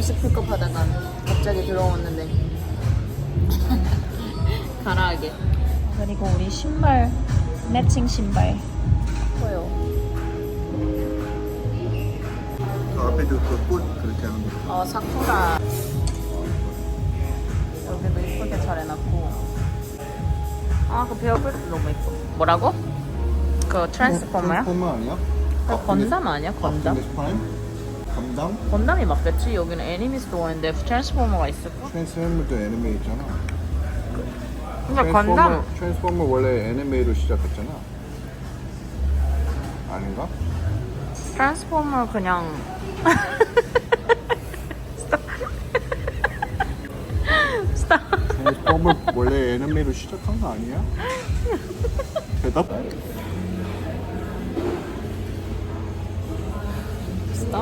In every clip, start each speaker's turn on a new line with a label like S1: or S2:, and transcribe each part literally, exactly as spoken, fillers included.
S1: 잠시 픽업하다가 갑자기 들어왔는데 가라하게. 그리고 우리 신발 매칭 신발 보여.
S2: 저 앞에도 그꽃 그렇게 하는 거.
S1: 어 사쿠라. 여기도 이쁘게 잘 해놨고. 아 그 베어브레스 너무 이뻐. 뭐라고? 그 트랜스포머야?
S2: 트랜스포머 아니야?
S1: 그 건담 아니야? 건담?
S2: 옵티머스 프라임? 건담?
S1: 건담이 맞겠지? 여기는 애니미 스토어인데 트랜스포머가 있을까?
S2: 트랜스포머도 애니메 있잖아.
S1: 근데 건담
S2: 트랜스포머 원래 애니메이로 시작했잖아. 아닌가?
S1: 트랜스포머 그냥 스톱 스톱
S2: 트랜스포머 원래 애니메이로 시작한 거 아니야? 대답?
S1: 스톱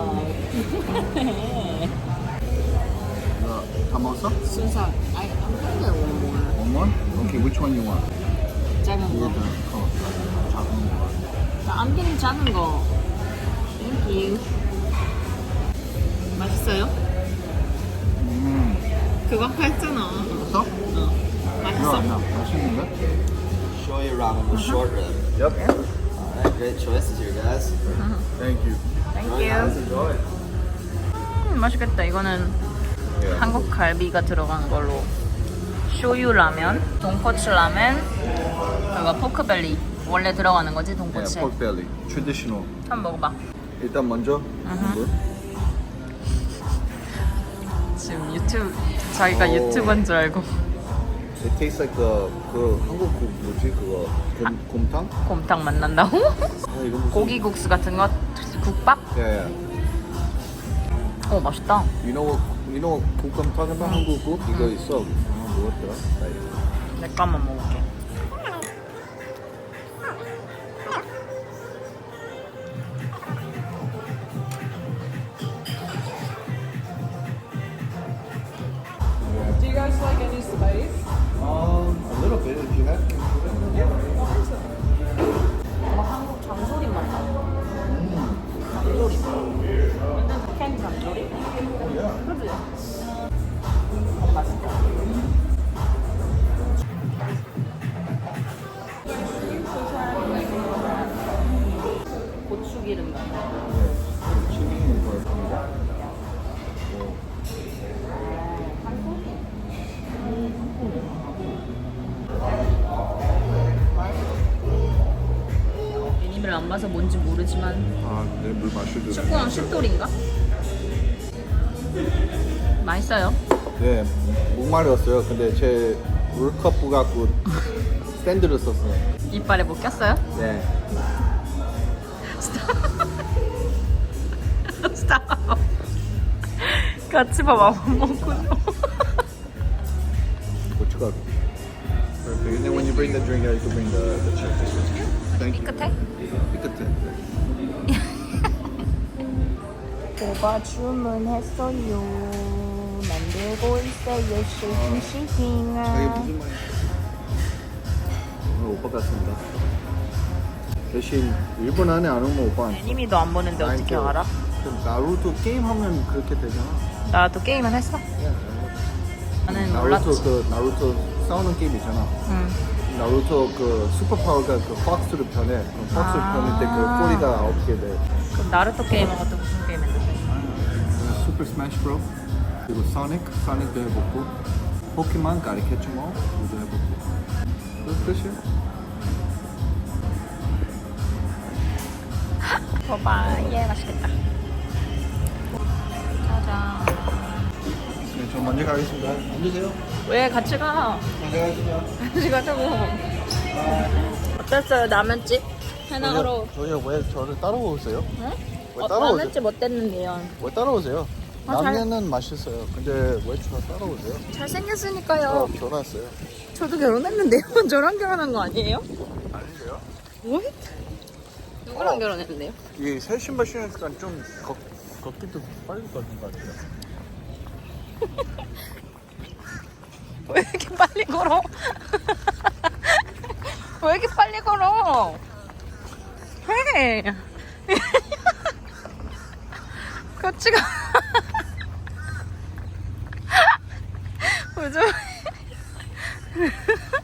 S2: 다 먹었어?
S1: 순살 아니 안 먹네 오늘
S2: One more? Okay, which one you want?
S1: 작은
S2: 이거
S1: 거
S2: 어, 작은 거.
S1: 나 암기는 작은 거 Thank you 맛있어요?
S2: 음,
S1: 그거 아까 했잖아
S2: 먹었어?
S1: 어 맛있어?
S2: 야, 야, 맛있는데?
S3: Shoyu ramen with short rib.
S2: Yep.
S3: Alright, great choices here, guys.
S2: Thank you.
S1: Thank
S3: Guys,
S1: you
S3: enjoy.
S1: 음, 맛있겠다 이거는 한국 갈비가 들어간 걸로 쇼유 라면, 돈코츠 라면, 그리고 포크벨리 원래 들어가는 거지
S2: Yeah,
S1: 돈코츠에.
S2: pork belly. Traditional.
S1: 한번 먹어봐.
S2: 일단 먼저 물.
S1: 지금 유튜브 자기가
S2: 오.
S1: 유튜버인 줄 알고
S2: It tastes like the 그 한국 그 뭐지 그거 곰, 곰탕?
S1: 곰탕 만난다고?
S2: 아, 이거 무슨
S1: 고기국수 같은 거? 국밥?
S2: Yeah, yeah.
S1: 오 맛있다.
S2: You know what? You know what 국 I'm talking about? 한국 국 이거 있어. 아, 뭐였더라? 나 이거.
S1: 내 거 한번 먹을게.
S4: Do you guys like any spice?
S2: Um, a little bit if you have.
S1: 어, 한국 장조림 맛나. 장조림. 완전 캔 장조림? 그지? 어, 맛있다. 고추기름 맛.
S2: 치킨 이거.
S1: 애니메를 안 봐서 뭔지 모르지만
S2: 아, 내 물 마셔줘.
S1: 축구왕 십돌인가? 맛있어요.
S2: 네, 목마르었어요. 근데 제 물컵 갖고 스탠드를 썼어요.
S1: 이빨에 뭐 꼈어요?
S2: 네.
S1: 스탑. 스탑. 같이 밥 안 먹고.
S2: 고춧가루. Perfect. And then when you bring the drink, you can bring the the chips. Thank you.
S1: 깨끗해?
S2: 깨끗해.
S1: 오빠 주문했어요. 만들고 있어요. 쉐이킹 쉐이킹.
S2: 자기 무슨 말이야? 오늘 오빠 같습니다. 대신 일본 안에 안 오면 오빠 안 써.
S1: 애니미도 안 보는데 어떻게
S2: 아니, 그-
S1: 알아?
S2: 그 나루토 게임 하면 그렇게 되잖아.
S1: 나도 게임은 했어. 나는
S2: 나루토
S1: 몰랐지.
S2: 그 나루토 싸우는 게임 있잖아.
S1: 응.
S2: 나루토 그 슈퍼파워가 그 폭스로 변해. 그럼 폭스로
S1: 아.
S2: 변할 때 그 꼬리가 아홉 개 돼.
S1: 그럼 나루토 게임하고 또 무슨 게임 했는데?
S2: 슈퍼 스매시 브로 그리고 소닉, 소닉도 해보고 포켓몬 가리캐치모 그것도 해보고 그 끝이야.
S1: 봐봐, 예 맛있겠다. 짜잔.
S2: 네, 저 먼저 가겠습니다. 앉으세요.
S1: 왜 같이 가?
S2: 먼저 가시죠.
S1: 같이 가자고. 어땠어요 라면집? 해나으로.
S2: 저희 왜 저를 따라오세요?
S1: 응?
S2: 왜
S1: 어,
S2: 따라오세요?
S1: 라면집 어땠는데요?
S2: 왜 따라오세요?
S1: 아, 잘-
S2: 라면은 맛있어요. 근데 왜 저 따라오세요?
S1: 잘생겼으니까요.
S2: 저 결혼했어요.
S1: 저도 결혼했는데요. 저랑 결혼한 거 아니에요?
S2: 아니세요?
S1: What? 누구랑
S2: 어.
S1: 결혼했는데요?
S2: 이게 새 신발 신으니까 좀 걷, 걷기도 빨리 걷는 것 같아요.
S1: 왜 이렇게 빨리 걸어? 왜 이렇게 빨리 걸어? 왜? 같이 가. 요즘